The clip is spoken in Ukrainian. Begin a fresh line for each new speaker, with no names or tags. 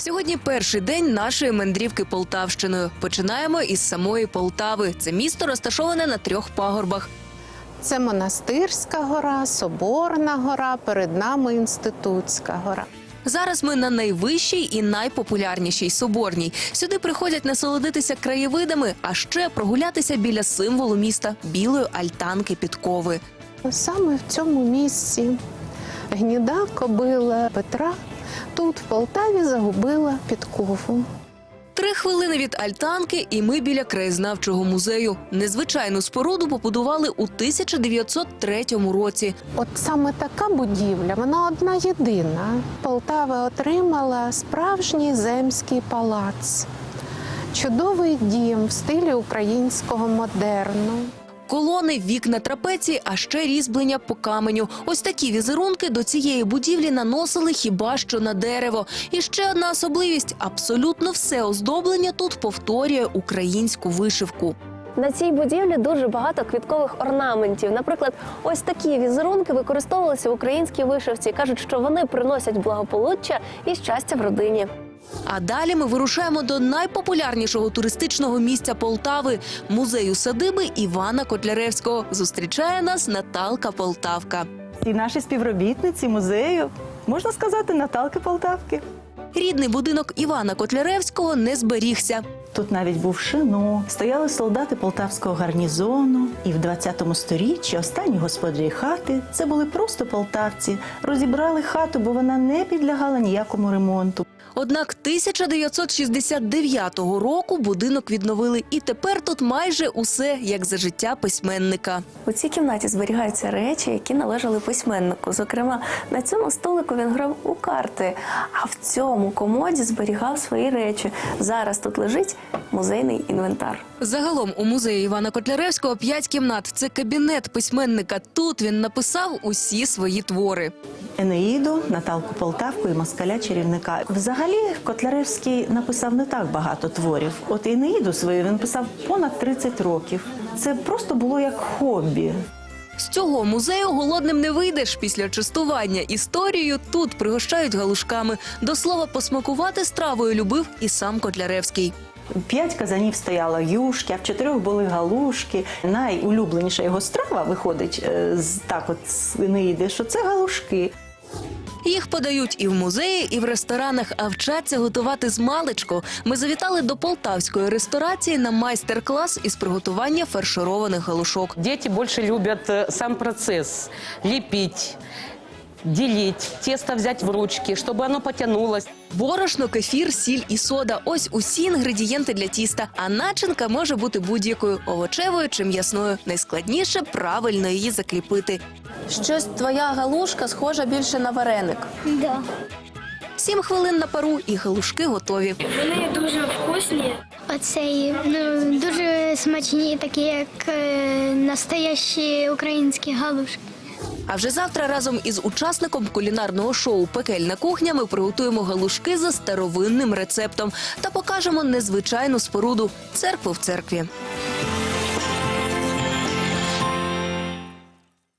Сьогодні перший день нашої мандрівки Полтавщиною. Починаємо із самої Полтави. Це місто розташоване на 3 пагорбах.
Це Монастирська гора, Соборна гора, перед нами Інститутська гора.
Зараз ми на найвищій і найпопулярнішій Соборній. Сюди приходять насолодитися краєвидами, а ще прогулятися біля символу міста – білої альтанки Підкови.
Саме в цьому місці гніда кобила Петра тут, в Полтаві, загубила підкову.
3 хвилини від альтанки і ми біля краєзнавчого музею. Незвичайну споруду побудували у 1903 році.
От саме така будівля, вона одна єдина. Полтава отримала справжній земський палац. Чудовий дім в стилі українського модерну.
Колони, вікна, трапеції, а ще різьблення по каменю. Ось такі візерунки до цієї будівлі наносили хіба що на дерево. І ще одна особливість – абсолютно все оздоблення тут повторює українську вишивку.
На цій будівлі дуже багато квіткових орнаментів. Наприклад, ось такі візерунки використовувалися в українській вишивці. Кажуть, що вони приносять благополуччя і щастя в родині.
А далі ми вирушаємо до найпопулярнішого туристичного місця Полтави – музею садиби Івана Котляревського. Зустрічає нас Наталка Полтавка.
І наші співробітниці музею, можна сказати, Наталки Полтавки.
Рідний будинок Івана Котляревського не зберігся.
Тут навіть був шино, стояли солдати полтавського гарнізону. І в 20 сторіччі останні господарі хати – це були просто полтавці. Розібрали хату, бо вона не підлягала ніякому ремонту.
Однак 1969 року будинок відновили, і тепер тут майже усе, як за життя письменника.
У цій кімнаті зберігаються речі, які належали письменнику. Зокрема, на цьому столику він грав у карти, а в цьому комоді зберігав свої речі. Зараз тут лежить музейний інвентар.
Загалом у музеї Івана Котляревського 5 кімнат. Це кабінет письменника. Тут він написав усі свої твори.
Енеїду, Наталку Полтавку і Москаля-чарівника. Взагалі, Котляревський написав не так багато творів. От Енеїду свою він писав понад 30 років. Це просто було як хобі.
З цього музею голодним не вийдеш. Після частування історією тут пригощають галушками. До слова, посмакувати стравою любив і сам Котляревський.
5 казанів стояло юшки, а в 4 були галушки. Найулюбленіша його страва виходить з Енеїди, що це галушки.
Їх подають і в музеї, і в ресторанах, а вчаться готувати змалечку. Ми завітали до полтавської ресторації на майстер-клас із приготування фаршированих галушок.
Дети больше любят сам процесс – лепить, делить, тесто взять в ручки, чтобы оно потянулось.
Борошно, кефір, сіль і сода – ось усі інгредієнти для тіста. А начинка може бути будь-якою – овочевою чи м'ясною. Найскладніше – правильно її закріпити.
Щось твоя галушка схожа більше на вареник.
Да.
7 хвилин на пару і галушки готові.
Вони дуже вкусні. Оцей, дуже смачні, такі як настоящі українські галушки.
А вже завтра разом із учасником кулінарного шоу «Пекельна кухня» ми приготуємо галушки за старовинним рецептом та покажемо незвичайну споруду – церкву в церкві.